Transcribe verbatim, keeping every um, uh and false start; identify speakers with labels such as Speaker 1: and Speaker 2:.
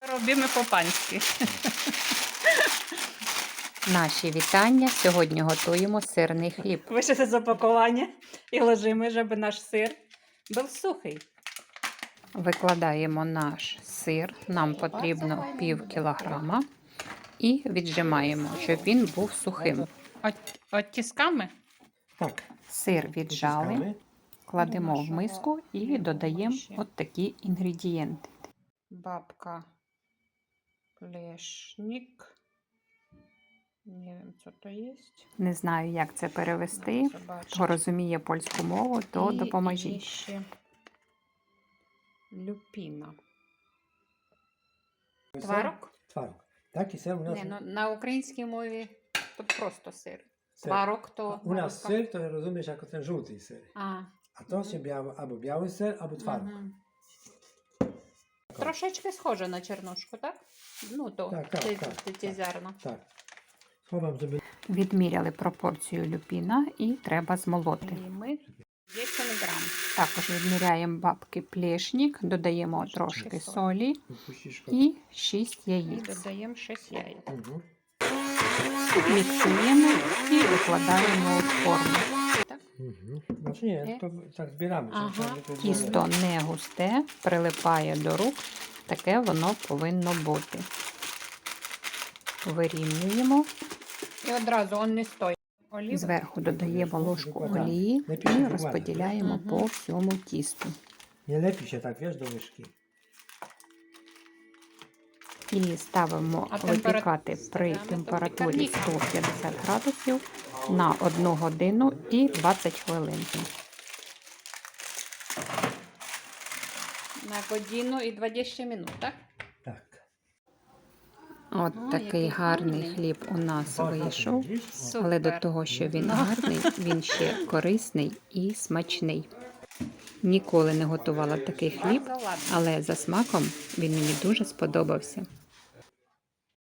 Speaker 1: Робимо по-панськи.
Speaker 2: Наші вітання. Сьогодні готуємо сирний хліб.
Speaker 1: Вийшли з опакування і ложимо, щоб наш сир був сухий.
Speaker 2: Викладаємо наш сир. Нам потрібно пів кілограма. І віджимаємо, щоб він був сухим.
Speaker 1: От, от тисками?
Speaker 3: Так.
Speaker 2: Сир віджали, кладемо в миску і додаємо от такі інгредієнти.
Speaker 1: Бабка плешник. Не wiem, co to jest.
Speaker 2: Не знаю, як це перевести. Хто розуміє польську мову, то
Speaker 1: І
Speaker 2: допоможіть.
Speaker 1: ще люпіна. Тварок?
Speaker 3: Тварок. Так, і сир у нас.
Speaker 1: Не, ну, на українській мові то просто сир.
Speaker 3: Сир.
Speaker 1: Тварок то...
Speaker 3: У нас сир, то розумієш, як ten żółty сир.
Speaker 1: А,
Speaker 3: А то ще biały, або biały сир, або тварок.
Speaker 1: мгм. Трошечки схоже на чернушку, так? Ну, то
Speaker 3: Так, так,
Speaker 1: ці,
Speaker 3: так,
Speaker 1: ці, ці
Speaker 3: так.
Speaker 1: зерна.
Speaker 3: Так. Ховам, żeby...
Speaker 2: Відміряли пропорцію люпіна і треба змолоти.
Speaker 1: Ми вісім грам.
Speaker 2: Також відміряємо бабки плешник, додаємо трошки солі
Speaker 3: Puścisz go.
Speaker 2: і шість
Speaker 1: І
Speaker 2: яєць.
Speaker 1: додаємо шість яєць.
Speaker 3: Mhm.
Speaker 2: Міксуємо і викладаємо у форму.
Speaker 3: Mhm. Znaczy nie, to tak zbieramy.
Speaker 1: Aha.
Speaker 3: żeby to było-
Speaker 2: Тісто не густе, прилипає до рук. Таке воно повинно бути. Вирівнюємо.
Speaker 1: І одразу он не стоїть. Олів.
Speaker 2: Зверху додаємо ложку олії і розподіляємо
Speaker 1: Мгм.
Speaker 2: по всьому тісту.
Speaker 3: Nie lepi się tak, wiesz, do łyżki.
Speaker 2: І ставимо
Speaker 1: А температура-
Speaker 2: випікати при
Speaker 1: ставимо
Speaker 2: температурі
Speaker 1: випікати.
Speaker 2: сто п'ятдесят градусів на одну годину і двадцять хвилин.
Speaker 1: На годину і двадцять минут, так?
Speaker 3: Tak.
Speaker 2: От
Speaker 1: Ага,
Speaker 2: такий
Speaker 1: який
Speaker 2: гарний
Speaker 1: гарний.
Speaker 2: хліб у нас
Speaker 3: Bardzo
Speaker 2: вийшов.
Speaker 3: widzisz?
Speaker 2: Але до
Speaker 1: Супер.
Speaker 2: того, що він гарний, він ще корисний і смачний. Ніколи не готувала такий хліб,
Speaker 1: Bardzo ładny.
Speaker 2: але за смаком він мені дуже сподобався.